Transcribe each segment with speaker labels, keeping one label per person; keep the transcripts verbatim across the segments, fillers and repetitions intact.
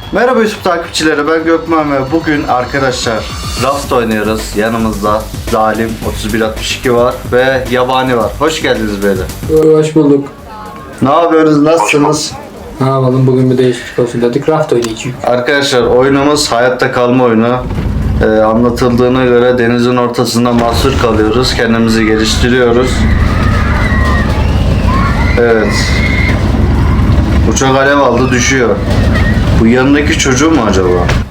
Speaker 1: Merhaba YouTube takipçileri, ben Gökmen ve bugün arkadaşlar Raft oynuyoruz. Yanımızda Zalim otuz bir altmış iki var ve Yabani var. Hoş geldiniz beyler.
Speaker 2: Hoş bulduk.
Speaker 1: Ne yapıyorsunuz, nasılsınız?
Speaker 2: Ne yapalım, bugün bir değişiklik olsun dedik. Raft oynayacağız.
Speaker 1: Arkadaşlar oyunumuz hayatta kalma oyunu. Ee, anlatıldığına göre denizin ortasında mahsur kalıyoruz. Kendimizi geliştiriyoruz. Evet. Uçak alev aldı, düşüyor. Bu yanındaki çocuğu mu acaba?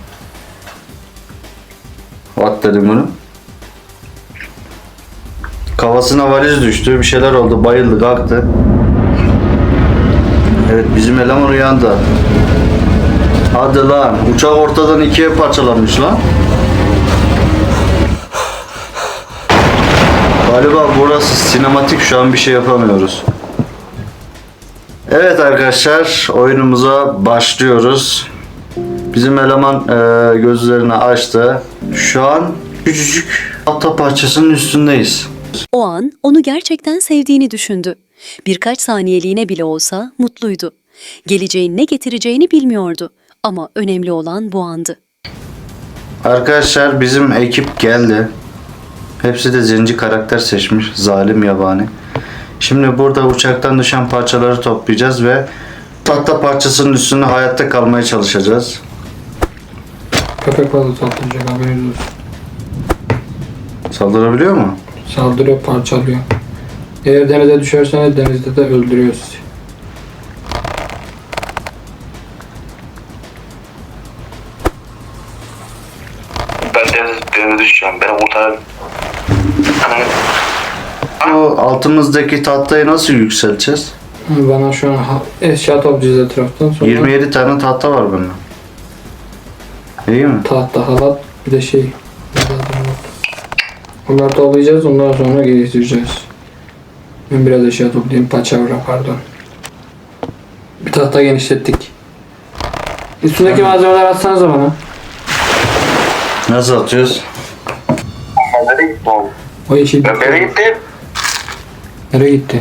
Speaker 1: What dedim bunu? Kafasına valiz düştü, bir şeyler oldu, bayıldı, kalktı. Evet, bizim eleman uyandı. Hadi lan, uçak ortadan ikiye parçalanmış lan. Galiba burası sinematik, şu an bir şey yapamıyoruz. Evet arkadaşlar, oyunumuza başlıyoruz. Bizim eleman e, gözlerini açtı. Şu an küçücük tahta parçasının üstündeyiz.
Speaker 3: O an onu gerçekten sevdiğini düşündü. Birkaç saniyeliğine bile olsa mutluydu. Geleceğin ne getireceğini bilmiyordu. Ama önemli olan bu andı.
Speaker 1: Arkadaşlar bizim ekip geldi. Hepsi de zenci karakter seçmiş. Zalim, Yabani. Şimdi burada uçaktan düşen parçaları toplayacağız ve tahta parçasının üstünde hayatta kalmaya çalışacağız.
Speaker 2: Köpek balığı saldıracak, haberiniz olsun.
Speaker 1: Saldırabiliyor mu?
Speaker 2: Saldırıyor, parçalıyor. Eğer denize düşerseniz denizde de öldürüyor sizi.
Speaker 4: Ben deniz, denize düşeceğim. Beni kurtarın. Ananı.
Speaker 1: Bu altımızdaki tahtayı nasıl yükselteceğiz?
Speaker 2: Bana şu an ha- eşya toplayacağız etraftan, sonra
Speaker 1: yirmi yedi tane tahta var bende. İyi mi?
Speaker 2: tahta, halat, bir de şey. Bunları toplayacağız, ondan sonra geliştireceğiz. Ben biraz eşya toplayayım, paçavra pardon. Bir tahta genişlettik. Üstündeki malzemeler atsanıza bana.
Speaker 1: Nasıl atıyoruz?
Speaker 4: Ben nereye gittim oğlum?
Speaker 2: O yeşil.
Speaker 4: Ben nereye gittim?
Speaker 2: Nereye gitti?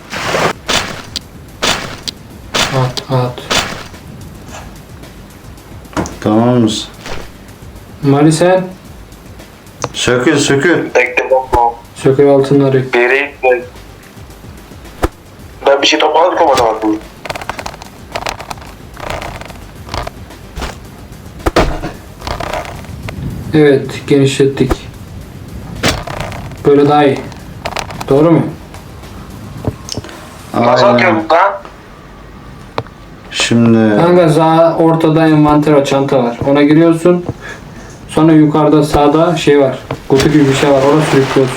Speaker 2: At at.
Speaker 1: Tamam mısın?
Speaker 2: Mali sen
Speaker 1: Sökül sökül.
Speaker 4: Bekle bakma.
Speaker 2: sökür altınları.
Speaker 4: Bir yere gittim. Ben bir şey toplamadım ama bak bu.
Speaker 2: Evet, genişlettik. Böyle daha iyi. Doğru mu?
Speaker 4: Nasıl
Speaker 1: Aynen.
Speaker 4: atıyorum lan?
Speaker 1: Şimdi
Speaker 2: Kanka sağ ortada envanter var, çanta var. Ona giriyorsun. Sonra yukarıda sağda şey var. Kutu gibi bir şey var. Orada sürüklüyorsun.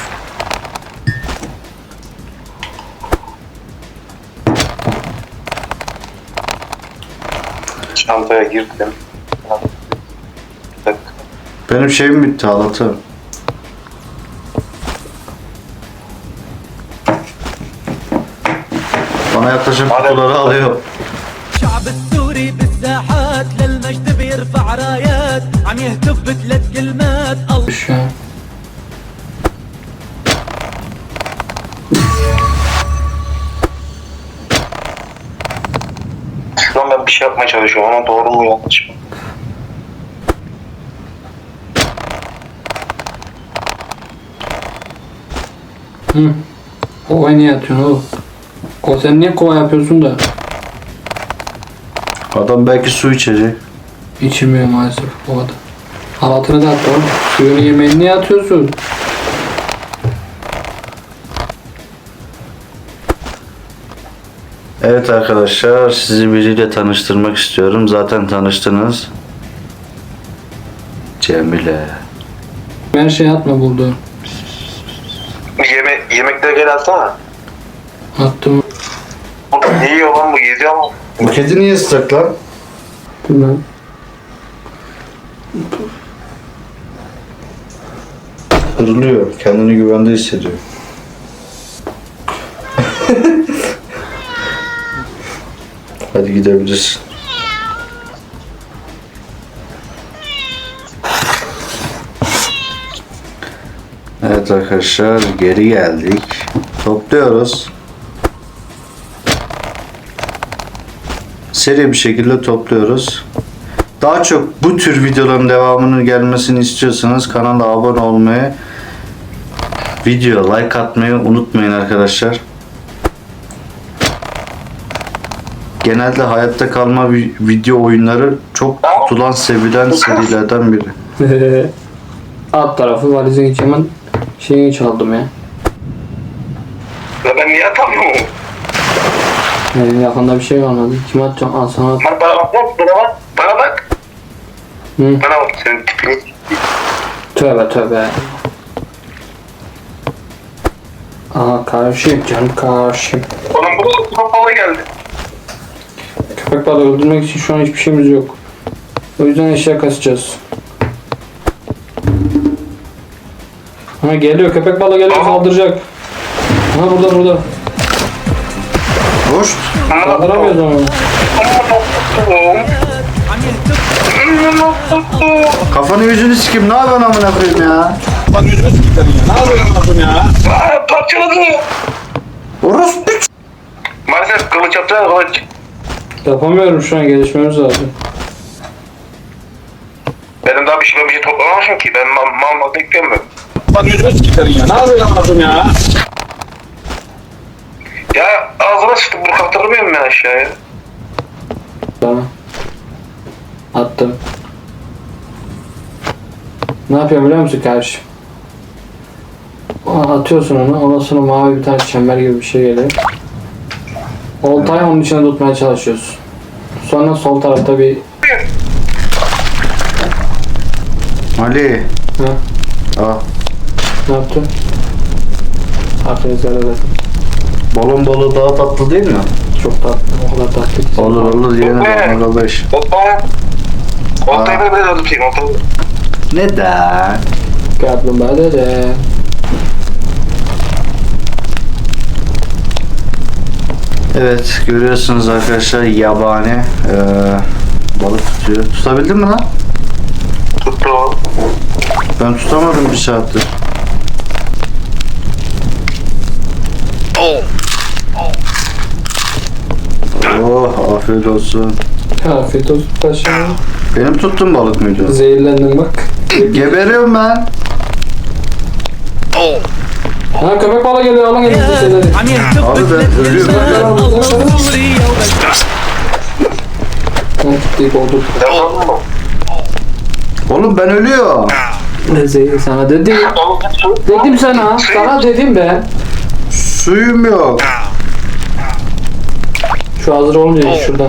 Speaker 4: Çantaya girdim. Bir dakika.
Speaker 1: benim şeyim bitti, halatım. Bana yaklaşan kutuları alıyor.
Speaker 5: شعب السوري بالساحات للمجد بيرفع رايات عم يهتف بثلاث كلمات الله
Speaker 2: Şu an.
Speaker 4: Şu an ben bir şey yapmaya çalışıyorum ama doğru mu yanlış mı?
Speaker 2: Hı. Kovaya niye atıyorsun oğlum? O sen niye kova yapıyorsun da?
Speaker 1: Adam belki su içecek.
Speaker 2: İçmiyor maalesef o adam. Halatını da at oğlum. Suyunu yemeğini niye atıyorsun?
Speaker 1: Evet arkadaşlar, sizi biriyle tanıştırmak istiyorum. Zaten tanıştınız. Cemile.
Speaker 2: Her şey atma buldu.
Speaker 4: Yeme yemekleri gel alsana.
Speaker 2: Attım.
Speaker 4: Oğlum ne yiyor lan bu? Geziyor mu?
Speaker 1: Bu kedi niye ıslak lan?
Speaker 2: Bilmem.
Speaker 1: Hırlıyor. Kendini güvende hissediyor. Hadi gidebilirsin. Evet arkadaşlar, geri geldik. Topluyoruz. Seri bir şekilde topluyoruz. Daha çok bu tür videoların devamının gelmesini istiyorsanız kanala abone olmayı, video like atmayı unutmayın arkadaşlar. Genelde hayatta kalma vi- video oyunları çok tutulan, sevilen serilerden biri.
Speaker 2: Alt tarafı valizin içi hemen şeyini çaldım ya.
Speaker 4: Ya ben niye atamıyorum?
Speaker 2: Yani yakında bir şey kalmadı. Kime atacağım? Al sana at.
Speaker 4: Bana bak, bana bak, bana bak.
Speaker 2: Hı.
Speaker 4: Bana bak, senin tipini.
Speaker 2: Tövbe tövbe. Aha karşıyım canım karşıyım.
Speaker 4: Oğlum bu kapalı geldi.
Speaker 2: Köpek balığı öldürmek için şu an hiçbir şeyimiz yok. O yüzden eşya kasacağız. Ha geliyor köpek balığı geliyor saldıracak. Ha burada burada.
Speaker 1: Hoş.
Speaker 2: Saldıramıyoruz ama.
Speaker 1: Kafanı yüzünü sikim. Ne yapıyorsun amına koyayım ya?
Speaker 4: Aa, parçaladı.
Speaker 1: Orospu.
Speaker 4: Maalesef kılıç yaptılar, kılıç.
Speaker 2: Yapamıyorum şu an gelişmemiz lazım.
Speaker 4: Benim daha bir şey, ben bir şey toplamamışım ki. Ben mal mal mal bekliyorum ben.
Speaker 6: Lan yüzünü sikerim ya. Ne yapıyorsun lazım ya?
Speaker 4: Ya ağzına sıçtım, bunu kaptırmıyorum ben aşağıya.
Speaker 2: Tamam. Attım. Ne yapıyorum biliyor musun kardeşim? Aa, atıyorsun onu. Ondan sonra mavi bir tane çember gibi bir şey geliyor. Oltayı onun içine tutmaya çalışıyorsun. Sonra sol tarafta bir...
Speaker 1: Ali.
Speaker 2: Ha,
Speaker 1: Al.
Speaker 2: ne yaptın? Aferin ederim.
Speaker 1: Balon balığı daha tatlı değil mi?
Speaker 2: Çok tatlı. O kadar tatlı ki.
Speaker 1: Olur olur yine arkadaş.
Speaker 4: Hoppa. Oltayı da biraz tutayım, oltayı.
Speaker 1: Neden?
Speaker 2: Kaplumbağa dede.
Speaker 1: Evet görüyorsunuz arkadaşlar yabani eee, balık tutuyor. Tutabildin mi lan?
Speaker 4: Tuttu o.
Speaker 1: Ben tutamadım bir saattir. Oh afiyet olsun.
Speaker 2: Afiyet olsun paşam.
Speaker 1: Benim tuttuğum balık mıydı?
Speaker 2: Zehirlendim bak.
Speaker 1: Geberiyorum ben.
Speaker 2: Ha köpek balığı geliyor alın elinize şeyleri.
Speaker 5: عم يهتف
Speaker 1: Abi ben ölüyorum.
Speaker 5: بثلاث
Speaker 2: Ha deyip oldu.
Speaker 4: Yapalım mı?
Speaker 1: Oğlum ben ölüyorum.
Speaker 2: Ne zehir sana dedim. Dedim sana. Sana dedim ben.
Speaker 1: Suyum yok.
Speaker 2: Şu hazır olunca şuradan.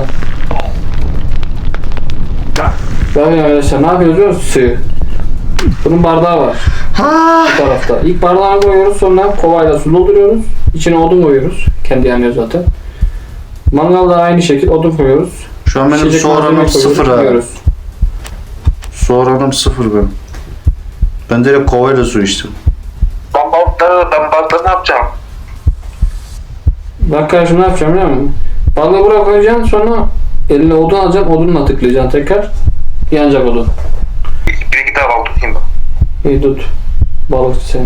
Speaker 2: Bakın arkadaşlar ne yapıyoruz biliyor musun? Suyu. Bunun bardağı var
Speaker 1: Ha.
Speaker 2: bu tarafta. İlk bardağını koyuyoruz sonra kovayla su dolduruyoruz. İçine odun koyuyoruz. Kendi yanıyor zaten. Mangalda aynı şekil odun koyuyoruz.
Speaker 1: Şu an benim
Speaker 2: Pişecek
Speaker 1: su
Speaker 2: malzeme
Speaker 1: oranım
Speaker 2: koyuyoruz,
Speaker 1: sıfır ha.
Speaker 2: koyuyoruz.
Speaker 1: Su oranım sıfır benim. Ben direkt kovayla su içtim.
Speaker 4: Ben balıkları, ben balıkları ne yapacağım?
Speaker 2: Bak kardeşim ne yapacağım biliyor musun? Balığı buraya koyacaksın sonra eline odun alacaksın odunla tıklayacaksın tekrar. Yanacak odun.
Speaker 4: Bir iki daha balık tutayım ben.
Speaker 2: İyi tut. Balıkçı seni.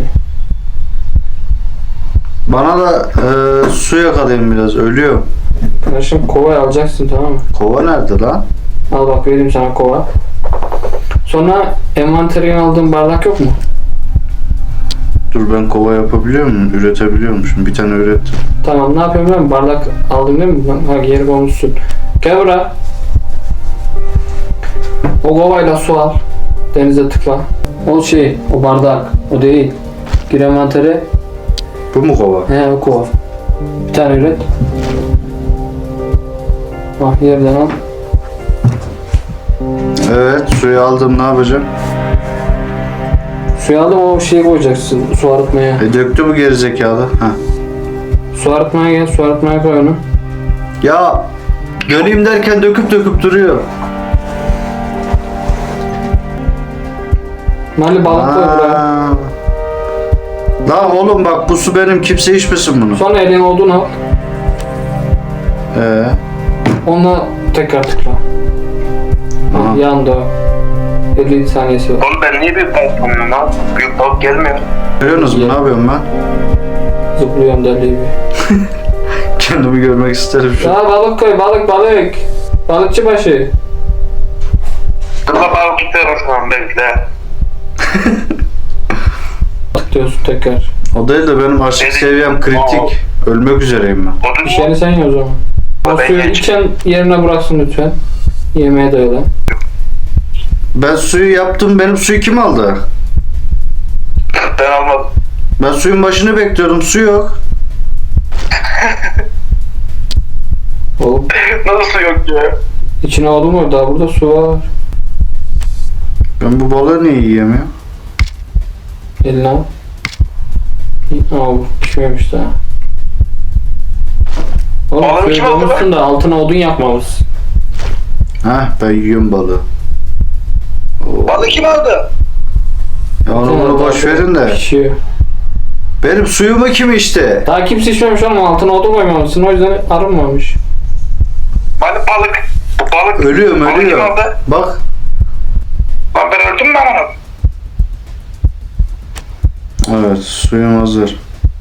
Speaker 1: Bana da e, su yakalayın biraz ölüyor.
Speaker 2: Kardeşim kovayı alacaksın tamam mı?
Speaker 1: Kova nerede lan?
Speaker 2: Al bak vereyim sana kova. Sonra envanterine aldığın bardak yok mu?
Speaker 1: Dur ben kova yapabiliyor muyum? Üretebiliyormuşum. Bir tane ürettim.
Speaker 2: Tamam ne yapıyorum ben? Bardak aldım değil mi? Ha geri koymuşsun. Gel buraya. O kovayla su al. Denize tıkla. O şey, o bardak. O değil. Gir envantere.
Speaker 1: Bu mu kova?
Speaker 2: He o kova. Bir tane üret. Bak yerden al.
Speaker 1: Evet suyu aldım ne yapacağım?
Speaker 2: Suyu aldım o şeyi koyacaksın. Su arıtmaya.
Speaker 1: E döktü bu gerizekalı. Ha.
Speaker 2: Su arıtmaya gel. Su arıtmaya koy onu.
Speaker 1: Ya döneyim derken döküp döküp duruyor.
Speaker 2: Mali balık koy buraya.
Speaker 1: Aa. Lan oğlum bak bu su benim kimse içmesin bunu.
Speaker 2: Sonra eline odun al.
Speaker 1: Ee,
Speaker 2: Onunla tekrar tıkla. Ha,
Speaker 1: Aha.
Speaker 2: yandı o. elli saniyesi var.
Speaker 4: Oğlum ben niye büyük balık tutmuyorum lan? Büyük balık gelmiyor.
Speaker 1: görüyorsunuz mu ne yapıyorum ben?
Speaker 2: Zıplıyorum deli gibi.
Speaker 1: Kendimi görmek isterim şu an.
Speaker 2: Ya balık koy balık balık. Balıkçı başı.
Speaker 4: Sana tutuyorum şu an bekle.
Speaker 2: Diyorsun tekrar.
Speaker 1: O değil de benim aşk
Speaker 4: Dedi-
Speaker 1: seviyem kritik. Ölmek üzereyim ben.
Speaker 4: Odun
Speaker 2: Bir şeyini sen ye o zaman. O
Speaker 4: Ben
Speaker 2: suyu
Speaker 4: geç.
Speaker 2: içen yerine bıraksın lütfen. Yemeğe de öyle.
Speaker 1: Ben suyu yaptım. Benim suyu kim aldı?
Speaker 4: Ben almadım.
Speaker 1: Ben suyun başını bekliyordum. Su yok.
Speaker 2: Oğlum
Speaker 4: Nasıl su yok ya?
Speaker 2: içine odun var, daha burada su var.
Speaker 1: Ben bu balığı niye yiyemiyorum?
Speaker 2: Eline al. Aa bu pişmemiş daha. Oğlum
Speaker 4: Balığı
Speaker 2: suyu
Speaker 4: kim aldı
Speaker 2: bulmuşsun da altına odun yakmamışsın.
Speaker 1: Heh, ben yiyorum balığı. Oo.
Speaker 4: Balık kim aldı?
Speaker 1: Ya onu bunu boş verin de.
Speaker 2: Pişiyor.
Speaker 1: Benim suyumu kim içti?
Speaker 2: Daha kimse içmemiş oğlum, altına odun koymamışsın, o yüzden arınmamış.
Speaker 4: Balık balık. Bu balık.
Speaker 1: Ölüyorum
Speaker 4: Balık kim
Speaker 1: ölüyorum.
Speaker 4: aldı?
Speaker 1: Bak.
Speaker 4: Lan ben öldüm mü onu?
Speaker 1: Evet suyum hazır.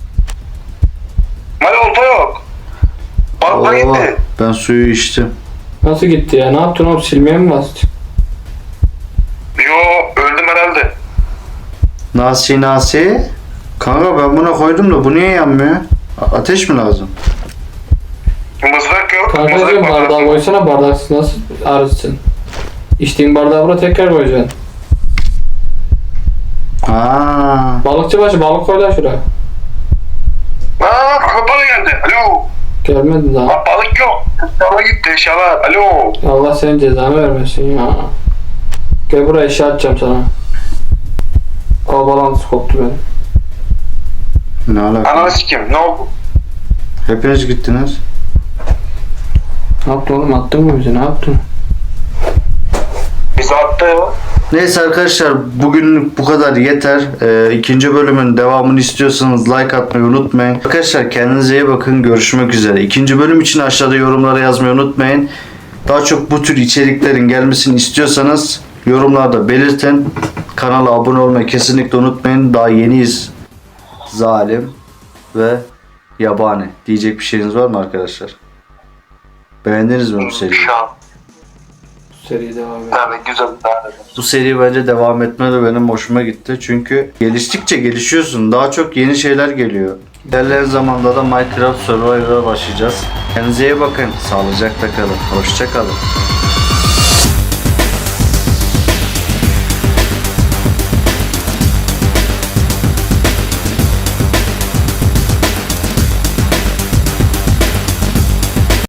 Speaker 4: Mali olta yok. Balıklar
Speaker 1: Oo,
Speaker 4: gitti.
Speaker 1: ben suyu içtim.
Speaker 2: Nasıl gitti ya? Ne yaptın oğlum? Silmeye mi bastın?
Speaker 4: Yo öldüm herhalde.
Speaker 1: Nasi nasi. Kanka ben buna koydum da bu niye yanmıyor? A- Ateş mi lazım?
Speaker 4: Mızrak yok.
Speaker 2: Kankacığım
Speaker 4: Mızrak var.
Speaker 2: bardağı koysana, bardaksız nasıl arızsın? İçtiğin bardağı buraya tekrar koyacaksın.
Speaker 1: Aa.
Speaker 2: Balıkçı başı balık koy lan şuraya.
Speaker 4: Aa kapalı geldi. Alo.
Speaker 2: Gelmedi daha.
Speaker 4: Lan balık yok. Şala gitti şala. Alo.
Speaker 2: Allah senin cezanı vermesin ya. Gel buraya eşya atacağım sana. Al balans koptu benim.
Speaker 1: Ne alaka?
Speaker 4: Ananı sikeyim. Ne oldu?
Speaker 1: Hepiniz gittiniz.
Speaker 2: Ne yaptın oğlum, attın mı bizi, ne yaptın?
Speaker 4: Bizi attı ya.
Speaker 1: Neyse arkadaşlar bugünlük bu kadar yeter. Ee, ikinci bölümün devamını istiyorsanız like atmayı unutmayın. Arkadaşlar kendinize iyi bakın. Görüşmek üzere. İkinci bölüm için aşağıda yorumlara yazmayı unutmayın. Daha çok bu tür içeriklerin gelmesini istiyorsanız yorumlarda belirtin. Kanala abone olmayı kesinlikle unutmayın. Daha yeniyiz. Zalim ve yabani. Diyecek bir şeyiniz var mı arkadaşlar? Beğendiniz mi bu seriyi?
Speaker 4: Şu an.
Speaker 2: Seri devam et.
Speaker 4: Yani güzel bir tane.
Speaker 1: Bu seri bence devam etme de benim hoşuma gitti. Çünkü geliştikçe gelişiyorsun. Daha çok yeni şeyler geliyor. İlerleyen zamanda da Minecraft Survivor'a başlayacağız. Kendinize iyi bakın. Sağlıcakla kalın. Hoşça kalın.